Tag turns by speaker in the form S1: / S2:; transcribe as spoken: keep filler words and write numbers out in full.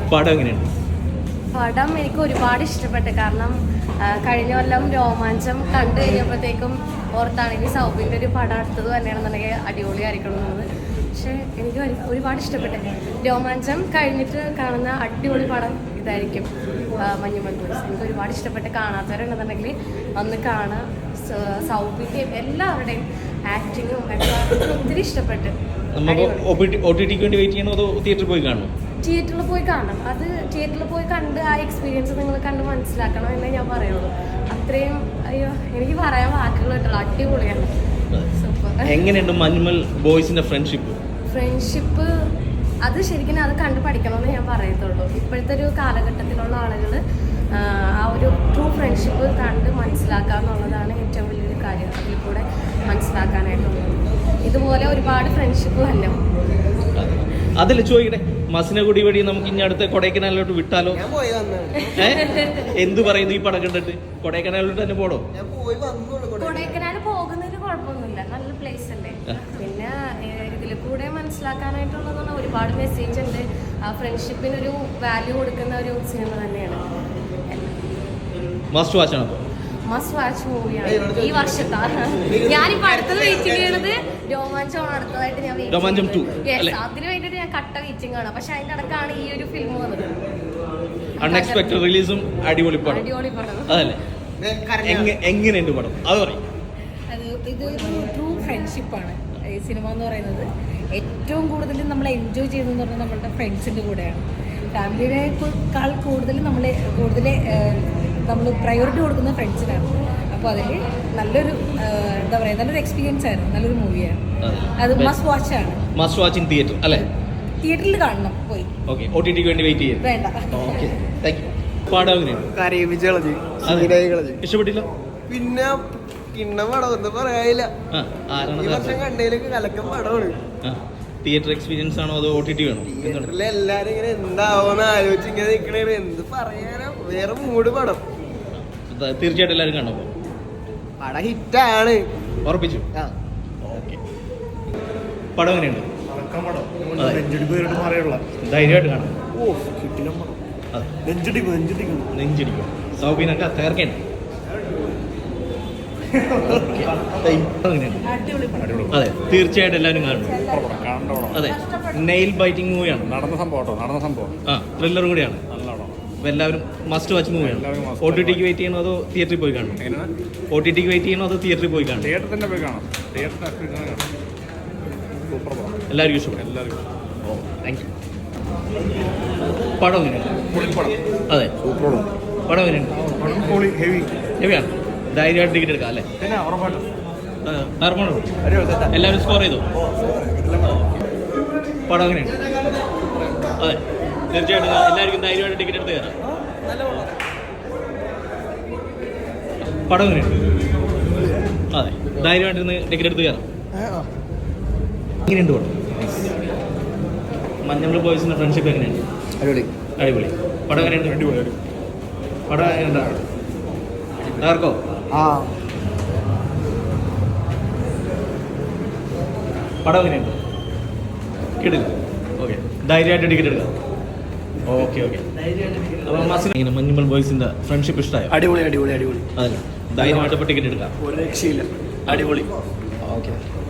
S1: പടം എങ്ങനെയുണ്ട്?
S2: പടം എനിക്ക് ഒരുപാട് ഇഷ്ടപ്പെട്ടു. കാരണം കഴിഞ്ഞ കൊല്ലം രോമാഞ്ചം കണ്ടു കഴിഞ്ഞപ്പോഴത്തേക്കും ഓർത്താണ് ഇനി സൗബിൻ്റെ ഒരു പടം അടുത്തത് തന്നെയാണെന്നുണ്ടെങ്കിൽ അടിപൊളിയായിരിക്കണം എന്നുള്ളത്. പക്ഷേ എനിക്ക് ഒരുപാട് ഇഷ്ടപ്പെട്ടു. രോമാഞ്ചം കഴിഞ്ഞിട്ട് കാണുന്ന അടിപൊളി പടം ഇതായിരിക്കും മഞ്ഞുമൽ ബോയ്സ്. എനിക്ക് ഒരുപാട് ഇഷ്ടപ്പെട്ട് കാണാത്തവരുണ്ടെന്നുണ്ടെങ്കിൽ ഒന്ന് കാണുക. സൗബിൻ്റെയും എല്ലാവരുടെയും ആക്ടിങ്ങും ഒക്കെ ഒത്തിരി ഇഷ്ടപ്പെട്ട്.
S1: തിയേറ്ററിൽ പോയി കാണണം
S2: തിയേറ്ററിൽ പോയി കാണണം. അത് തിയേറ്ററിൽ പോയി കണ്ട് ആ എക്സ്പീരിയൻസ് നിങ്ങൾ കണ്ട് മനസ്സിലാക്കണം എന്നേ ഞാൻ പറയുള്ളൂ. അത്രയും അയ്യോ എനിക്ക് പറയാൻ വാക്കുകൾ കിട്ടുള്ളൂ. അടിപൊളിയാണ്. സൂപ്പർ.
S1: എങ്ങനെയുണ്ട് മഞ്ഞുമൽ ബോയ്സിന്റെ ഫ്രണ്ട്ഷിപ്പ്?
S2: ഫ്രണ്ട്ഷിപ്പ് അത് ശരിക്കും അത് കണ്ട് പഠിക്കണമെന്ന് ഞാൻ പറയത്തുള്ളൂ. ഇപ്പോഴത്തെ ഒരു കാലഘട്ടത്തിലുള്ള ആളുകൾ ആ ഒരു ട്രൂ ഫ്രണ്ട്ഷിപ്പ് കണ്ട് മനസ്സിലാക്കുക എന്നുള്ളതാണ് ഏറ്റവും വലിയൊരു കാര്യം. അതിൽ കൂടെ മനസ്സിലാക്കാനായിട്ടുള്ളത്. ഇതുപോലെ ഒരുപാട് ഫ്രണ്ട്ഷിപ്പ് തന്നെ.
S1: അതല്ല ചോദിക്കട്ടെ, മസിനഗുഡി വഴി നമുക്ക് ഇനി അടുത്ത കൊടൈക്കനാലിലോട്ട് വിട്ടാലോ? എന്ത് പറയുന്നു ഈ പടം കണ്ടിട്ട്? കൊടൈക്കനാലിലോട്ട് തന്നെ പോടോ?
S2: കൊടൈക്കനാൽ പോകുന്നതിന് കുഴപ്പമൊന്നുമില്ല, നല്ല പ്ലേസ് അല്ലേ. പിന്നെ ഇതിൽ കൂടെ മനസ്സിലാക്കാനായിട്ടുള്ളതാണ് ഒരുപാട് മെസ്സേജ് ഉണ്ട്. ആ ഫ്രണ്ട്ഷിപ്പിനൊരു വാല്യൂ കൊടുക്കുന്ന ഒരു സിനിമ തന്നെയാണ്.
S1: മസ്റ്റ് വാച്ച് ആണ്.
S2: മസ്റ്റ് വാച്ച് മൂവിയാണ് ഈ വർഷത്തെ. ഞാനിപ്പോ അടുത്തത് വെയിറ്റിംഗ് ചെയ്യണത് രോമാഞ്ചമാണ്. അടുത്തതായിട്ട് ഞാൻ അതിന് വേണ്ടിയിട്ട് ഞാൻ കട്ട വെയിറ്റിംഗ് ആണ്. പക്ഷെ അതിന്റെ അടക്കാണ് ഈ ഒരു ഫിലിം വന്നത്.
S1: അൺഎക്സ്പെക്ടഡ് റിലീസും അടിപൊളി പടം.
S2: അടിപൊളി പടം.
S1: അതല്ലേ? എങ്ങനെയുണ്ട് പടം? അത് പറയും.
S3: അത് ഇതൊരു ട്രൂ ഫ്രണ്ട്ഷിപ്പാണ് ഈ സിനിമ എന്ന് പറയുന്നത്. ഏറ്റവും കൂടുതൽ നമ്മൾ എൻജോയ് ചെയ്തതെന്ന് പറഞ്ഞാൽ നമ്മളുടെ ഫ്രണ്ട്സിൻ്റെ കൂടെയാണ്. ഫാമിലിയേക്കാൾ കൂടുതൽ നമ്മൾ കൂടുതൽ നമ്മൾ പ്രയോറിറ്റി കൊടുക്കുന്നത് ഫ്രണ്ട്സിനാണ്. അപ്പോൾ അതിൽ നല്ലൊരു എന്താ പറയുക നല്ലൊരു എക്സ്പീരിയൻസ് ആയിരുന്നു. നല്ലൊരു മൂവിയാണ്. അത് മസ്റ്റ് വാച്ച് ആണ്.
S1: മസ്റ്റ് വാച്ച് ഇൻ തിയേറ്റർ അല്ലേ?
S3: തിയേറ്ററിൽ കാണണം പോയി.
S1: ഓക്കെ. ഒടിടിക്ക് വേണ്ടി വെയിറ്റ് ചെയ്യും.
S3: വേണ്ട.
S1: Okay, thank you. പാടം എങ്ങനെയാണ്? ഇഷ്ടപ്പെട്ടില്ല?
S4: പിന്നെ കിണ്ണം പടം ഒന്നും പറയാനില്ല. ഈ വർഷം കണ്ടതിലേക്ക് കലക്കം പടമാണ്.
S1: തിയേറ്റർ എക്സ്പീരിയൻസ് ആണോ അതോ ഒ ടി ടി വേണോ?
S4: തിയേറ്ററിൽ എല്ലാരും ഇങ്ങനെ എന്താവോന്ന് ആലോചിച്ച് ഇങ്ങനെ നിക്കണേ. എന്ത് പറയാനോ, വേറെ മൂഡ് പടം.
S1: തീർച്ചയായിട്ടും എല്ലാവരും കാണോ?
S4: പടം ഹിറ്റാണ്.
S1: ഉറപ്പിച്ചു. ഓക്കെ. പടം എങ്ങനെയുണ്ട്? ധൈര്യമായിട്ട് കാണാം. നെഞ്ചിടിക്കും. സൗബിനൊക്കെ തകർക്കേണ്ട. അതെ, തീർച്ചയായിട്ടും എല്ലാവരും കാണണം. അതെ, നെയിൽ ബൈറ്റിംഗ് മൂവിയാണ്.
S5: നടന്ന സംഭവം നടന്ന സംഭവം
S1: ആ ത്രില്ലറും കൂടിയാണ്. അപ്പോൾ എല്ലാവരും മസ്റ്റ് വാച്ച് മൂവിയാണ്. ഒ ടി ടിക്ക് വെയിറ്റ് ചെയ്യണോ അതോ തിയേറ്ററിൽ പോയി കാണണം? ഒ ടി ടിക്ക് വെയിറ്റ് ചെയ്യണോ അതോ തിയേറ്ററിൽ പോയി കാണണം?
S5: തിയേറ്ററിൽ തന്നെ പോയി കാണാം. തിയേറ്ററിൽ സൂപ്പർ പടം.
S1: എല്ലാവർക്കും ഇഷ്ടപ്പെടും.
S5: എല്ലാവർക്കും.
S1: ഓ, താങ്ക് യു. പടം എങ്ങനെയാണ്? അതെ,
S5: സൂപ്പർ
S1: പടം എങ്ങനെയുണ്ട്?
S5: ഹെവി
S1: ഹെവിയാണ്. ധൈര്യമായിട്ട് ടിക്കറ്റ് എടുക്കാം അല്ലേ? എല്ലാവരും സ്കോർ ചെയ്തു. പടം എങ്ങനെയുണ്ട്? അതെ, തീർച്ചയായിട്ടും എല്ലാവർക്കും ധൈര്യമായിട്ട് ടിക്കറ്റ് എടുത്ത് കയറാം. പടം എങ്ങനെയുണ്ട്? അതെ, ധൈര്യമായിട്ട് ഇരുന്ന് ടിക്കറ്റ് എടുത്ത് കയറാം. എങ്ങനെയുണ്ട് പടം? മഞ്ഞുമൽ ബോയ്സിന്റെ ഫ്രണ്ട്ഷിപ്പ് എങ്ങനെയുണ്ട്?
S4: അടിപൊളി.
S1: അടിപൊളി. പടം എങ്ങനെയുണ്ട്?
S5: അടിപൊളി.
S1: പടം എങ്ങനെയുണ്ടാ? ആർക്കോ?
S4: ആ
S1: പടം എങ്ങനെയുണ്ട്? കിട്ടില്ല. ഓക്കെ, ധൈര്യമായിട്ട് ടിക്കറ്റ് എടുക്കാം. Okay okay. അപ്പോൾ മസിന് മഞ്ഞുമൽ ബോയ്സിന്റെ ഫ്രണ്ട്ഷിപ്പ് ഇഷ്ടമായോ?
S4: അടിപൊളി അടിപൊളി അടിപൊളി.
S1: അതല്ല, ധൈര്യമായിട്ട് ഇപ്പോൾ ടിക്കറ്റ് എടുക്കാം.
S4: ഒരു രക്ഷയില്ല. അടിപൊളി.
S1: ഓക്കെ.